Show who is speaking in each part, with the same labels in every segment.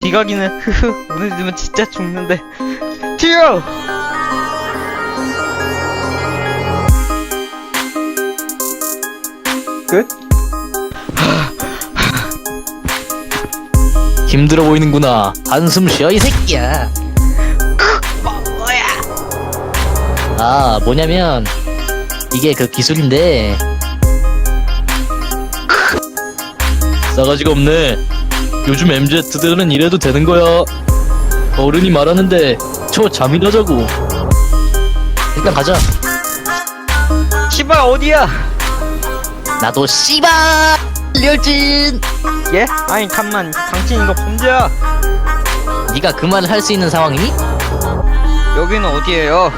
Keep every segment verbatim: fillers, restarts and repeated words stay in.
Speaker 1: 지각이네. 흐흐. 오늘 되면 진짜 죽는데. 튀어! 끝?
Speaker 2: 힘들어 보이는구나. 한숨 쉬어 이 새끼야.
Speaker 1: 뭐야?
Speaker 2: 아, 뭐냐면 이게 그 기술인데 싸가지가 없네. 요즘 엠지들은 이래도 되는 거야. 어른이 말하는데 저 잠이나 자고. 일단 가자.
Speaker 1: 씨발 어디야?
Speaker 2: 나도 씨발 렬진.
Speaker 1: 예? 아니 잠만. 당신 이거 범죄야.
Speaker 2: 네가 그 말을 할 수 있는 상황이니?
Speaker 1: 여기는 어디예요?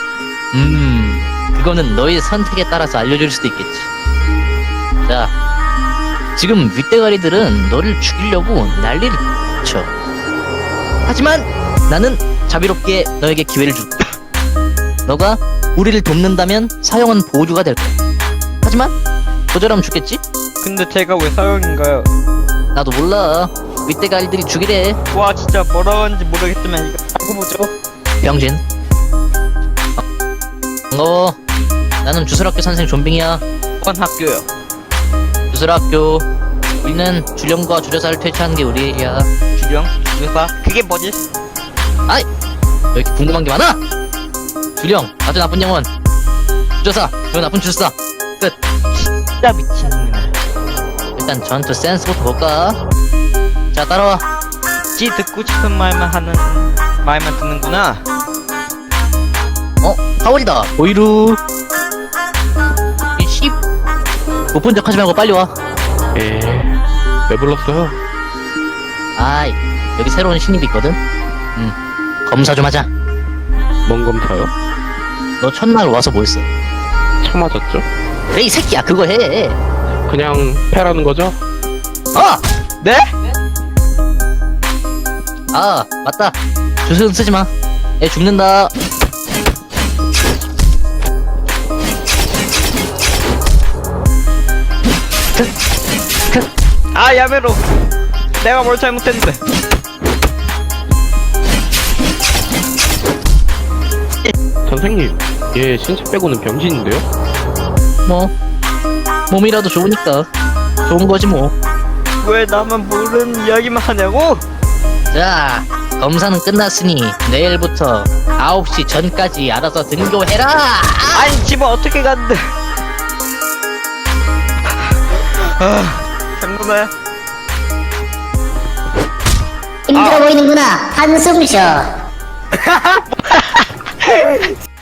Speaker 2: 음, 그거는 너의 선택에 따라서 알려줄 수도 있겠지. 자, 지금 윗대가리들은 너를 죽이려고 난리를 쳐. 하지만 나는 자비롭게 너에게 기회를 줄게. 너가 우리를 돕는다면 사형은 보조가 될 거야. 하지만 거절하면 죽겠지?
Speaker 1: 근데 제가 왜 사형인가요?
Speaker 2: 나도 몰라. 윗대가리들이 죽이래.
Speaker 1: 와 진짜 뭐라고 하는지 모르겠지만 이거 하고 보죠.
Speaker 2: 병진. 반가워. 나는 주술학교 선생 존빙이야.
Speaker 1: 건 학교요.
Speaker 2: 주술학교. 우리는 주령과 주려사를 퇴치하는 게 우리 일이야.
Speaker 1: 주령? 주사? 그게 뭐지?
Speaker 2: 아이! 왜 이렇게 궁금한 게 많아? 주령, 아주 나쁜 영혼. 주려사, 저 나쁜 주술사. 끝.
Speaker 1: 진짜 미친놈이네.
Speaker 2: 일단 전투 센스부터 볼까? 자, 따라와.
Speaker 1: 지 듣고 싶은 말만 하는 말만 듣는구나.
Speaker 2: 어? 파월이다. 보이루. 이 씨. 못 본 척 하지 말고 빨리 와.
Speaker 3: 에, 왜 불렀어요?
Speaker 2: 아이, 여기 새로운 신입이 있거든? 응. 검사 좀 하자.
Speaker 3: 뭔 검사요?
Speaker 2: 너 첫날 와서 뭐 했어?
Speaker 3: 차 맞았죠?
Speaker 2: 그래, 이 새끼야, 그거 해.
Speaker 3: 그냥 패라는 거죠?
Speaker 2: 아!
Speaker 1: 네?
Speaker 2: 아, 맞다. 주술은 쓰지 마. 애 죽는다.
Speaker 1: 아 야매로. 내가 뭘 잘못했는데.
Speaker 3: 선생님, 얘 신체 빼고는 병신인데요?
Speaker 2: 뭐, 몸이라도 좋으니까. 좋은 거지, 뭐.
Speaker 1: 왜 나만 모르는 이야기만 하냐고?
Speaker 2: 자, 검사는 끝났으니 내일부터 아홉 시 전까지 알아서 등교해라!
Speaker 1: 아니 집은 어떻게 갔는데? 아, 장군아.
Speaker 4: 힘들어
Speaker 1: 아.
Speaker 4: 보이는구나. 한숨 쉬어.